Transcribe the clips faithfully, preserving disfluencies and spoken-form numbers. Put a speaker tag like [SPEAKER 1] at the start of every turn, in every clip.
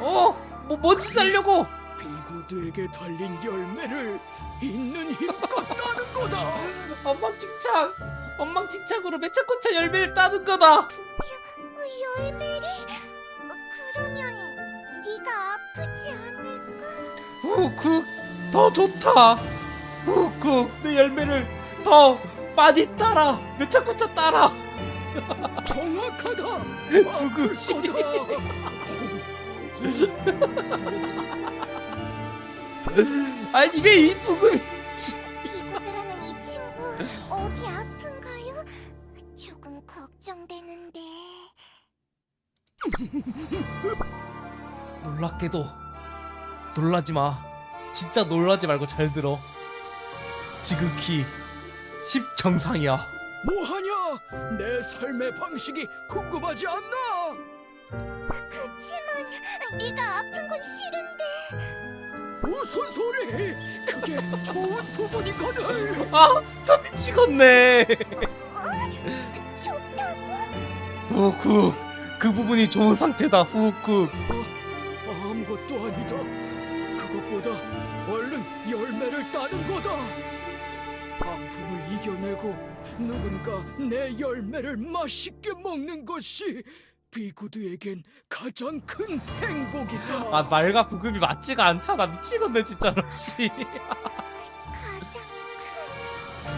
[SPEAKER 1] 어? 뭐 뭔지 살려고?
[SPEAKER 2] 비구드에게 달린 열매를 있는 힘껏 따는 거다.
[SPEAKER 1] 엉망진창! 엉망진창으로 매차코차 열매를 따는 거다!
[SPEAKER 3] 어, 열매를? 어, 그러면 네가 아프지 않을까?
[SPEAKER 1] 후쿡 더 좋다! 후쿡 내 열매를 더 많이 따라! 매차코차 따라!
[SPEAKER 2] 정확하다.
[SPEAKER 1] 부구시.
[SPEAKER 2] 아플 거다.
[SPEAKER 1] 아니 왜 이 부금이
[SPEAKER 3] 비구드라는 이 친구 어디 아픈가요? 조금 걱정되는데.
[SPEAKER 1] 놀랍게도 놀라지마. 진짜 놀라지 말고 잘 들어. 지극히 십정상이야.
[SPEAKER 2] 뭐하냐? 내 삶의 방식이 궁금하지 않나?
[SPEAKER 3] 그치만 네가 아픈 건 싫은데.
[SPEAKER 2] 무슨 소리? 그게 좋은 부분이거든.
[SPEAKER 1] 아 진짜 미치겠네.
[SPEAKER 3] 어? 좋다고?
[SPEAKER 1] 후쿡 그 부분이 좋은 상태다. 후쿡
[SPEAKER 2] 아무것도 아니다. 그것보다 얼른 열매를 따는 거다. 아픔을 이겨내고 누군가 내 열매를 맛있게 먹는 것이 비구드에겐 가장 큰 행복이다.
[SPEAKER 1] 아 말과 부금이 맞지가 않잖아. 미치겠네 진짜로. 씨.
[SPEAKER 3] 가장 큰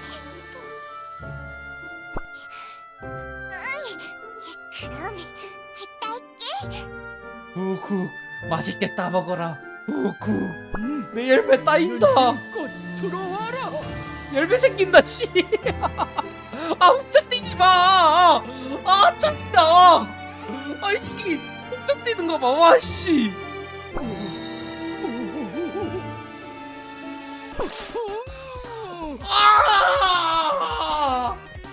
[SPEAKER 3] 행복. 그럼 딸게.
[SPEAKER 1] 후쿡 맛있게 따먹어라. 후쿡
[SPEAKER 2] 음,
[SPEAKER 1] 내 열매 따인다.
[SPEAKER 2] 힘껏 들어와라.
[SPEAKER 1] 열매 생긴다. 씨. 아 훔쳐뛰지 마. 아 짜증나. 아이 새끼 훔쳐뛰는 거 봐. 와 씨. 아!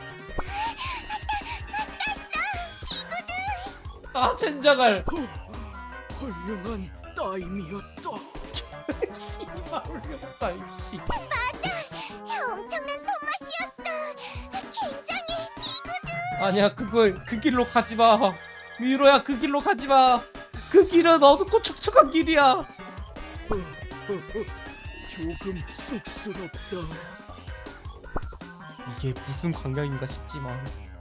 [SPEAKER 1] 아 젠장할.
[SPEAKER 2] 훌륭한 따임이었다.
[SPEAKER 1] 씨발 훌륭하다 씨.
[SPEAKER 3] 엄청난 손맛이었어. 굉장히 비구드.
[SPEAKER 1] 아니야 그거 그 길로 가지 마. 미로야 그 길로 가지 마. 그 길은 어둡고 촉촉한 길이야.
[SPEAKER 2] 조금 쑥스럽다.
[SPEAKER 1] 이게 무슨 광경인가 싶지만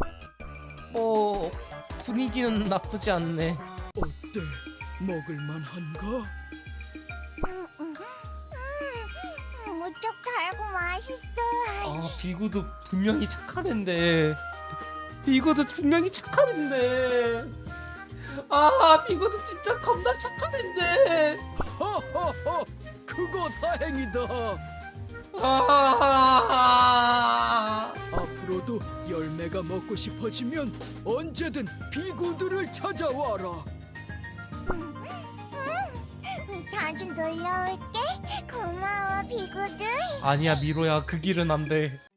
[SPEAKER 1] 뭐 분위기는 나쁘지 않네.
[SPEAKER 2] 어때? 먹을만한가?
[SPEAKER 3] 음, 음, 음, 무척 달고 맛있어.
[SPEAKER 1] 아 비구도 분명히 착한 앤데. 비구도 분명히 착한 앤데. 아 비구도 진짜 겁나 착한 앤데.
[SPEAKER 2] 하하하! 그거 다행이다.
[SPEAKER 1] 아
[SPEAKER 2] 앞으로도 열매가 먹고 싶어지면 언제든 비구들을 찾아와라.
[SPEAKER 3] 음, 자주 놀러 올게. 고마워, 비구드.
[SPEAKER 1] 아니야 미로야 그 길은 안 돼.